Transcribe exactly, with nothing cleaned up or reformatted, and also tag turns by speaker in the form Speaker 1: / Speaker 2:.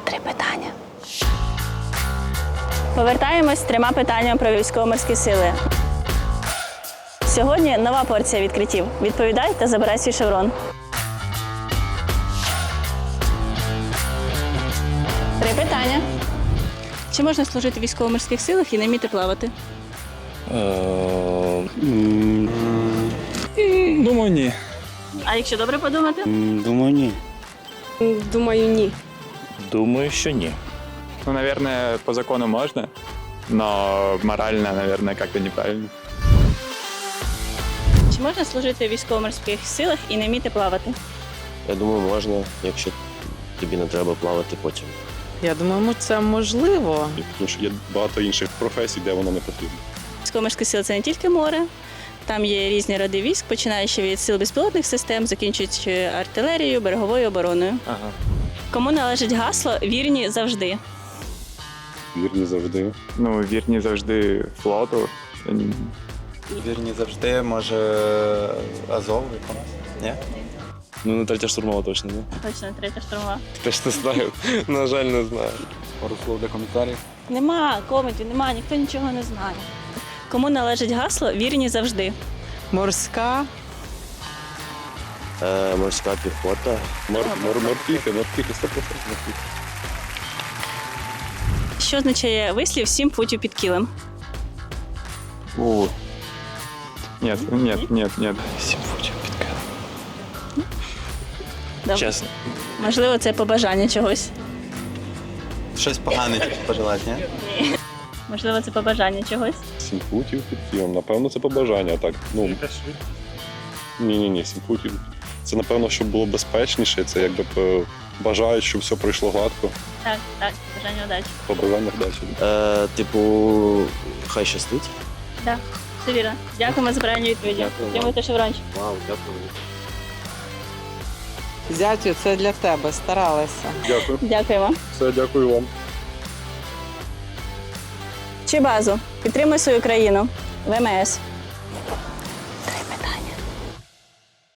Speaker 1: Три питання. Повертаємось з трьома питаннями про військово-морські сили. Сьогодні нова порція відкриттів. Відповідай та забирай свій шеврон. Три питання. Чи можна служити в військово-морських силах і не вміти плавати?
Speaker 2: Думаю, ні.
Speaker 1: А якщо добре подумати?
Speaker 3: Думаю, ні.
Speaker 4: Думаю, ні.
Speaker 3: Думаю, що ні.
Speaker 2: Ну, наверное, по закону можно, но морально, наверное, как-то неправильно.
Speaker 1: Чи можна служити в військово-морських силах і не вміти плавати?
Speaker 5: Я думаю, можна, якщо тобі не треба плавати потім.
Speaker 4: Я думаю, це можливо.
Speaker 6: Тому що є багато інших професій, де воно не потрібно.
Speaker 1: Військово-морські сили – це не тільки море. Там є різні роди військ, починаючи від сил безпілотних систем, закінчуючи артилерією, береговою обороною.
Speaker 5: Ага.
Speaker 1: Кому належить гасло «Вірні завжди»?
Speaker 6: Вірні завжди.
Speaker 2: Ну, вірні завжди флоту.
Speaker 7: Вірні завжди, може, Азов якомусь? Ні?
Speaker 3: Ну, не третя штурмова точно, ні?
Speaker 1: Точно, третя штурмова.
Speaker 3: Теж не знаю. На жаль, не знаю.
Speaker 7: Пару слов для коментарів.
Speaker 1: Нема коментів, нема, ніхто нічого не знає. Кому належить гасло «Вірні завжди»?
Speaker 4: Морська.
Speaker 5: Е, морська піхота.
Speaker 6: Мор, мор, морпіхи, морпіхи, сто відсотків морпіхи.
Speaker 1: Що означає вислів «сім футів під кілем»?
Speaker 2: У. Нет, нет, нет, нет. Сім футів під килим.
Speaker 1: Добре.
Speaker 3: Чесно.
Speaker 1: Можливо, це побажання чогось.
Speaker 7: Щось погане пожелати, ні?
Speaker 1: Можливо, це побажання чогось.
Speaker 6: Сім футів під кілом. Напевно, це побажання, так. Ну, ні-ні-ні, сім футів. Це, напевно, щоб було безпечніше. Це якби б, бажають, щоб все пройшло гладко.
Speaker 1: Так, так, бажання удачі.
Speaker 6: Побажання вдачі.
Speaker 5: Е, типу, хай щастить.
Speaker 1: Так, все вірно. Дякуємо за правильні відповіді.
Speaker 5: Дякую вам.
Speaker 1: Отримуйте шеврончик.
Speaker 5: Вау, дякую.
Speaker 4: Зятю, це для тебе. Старалася.
Speaker 6: Дякую.
Speaker 1: Дякуємо.
Speaker 6: Все, дякую вам.
Speaker 1: Чи базу? Підтримуй свою країну. ВМС.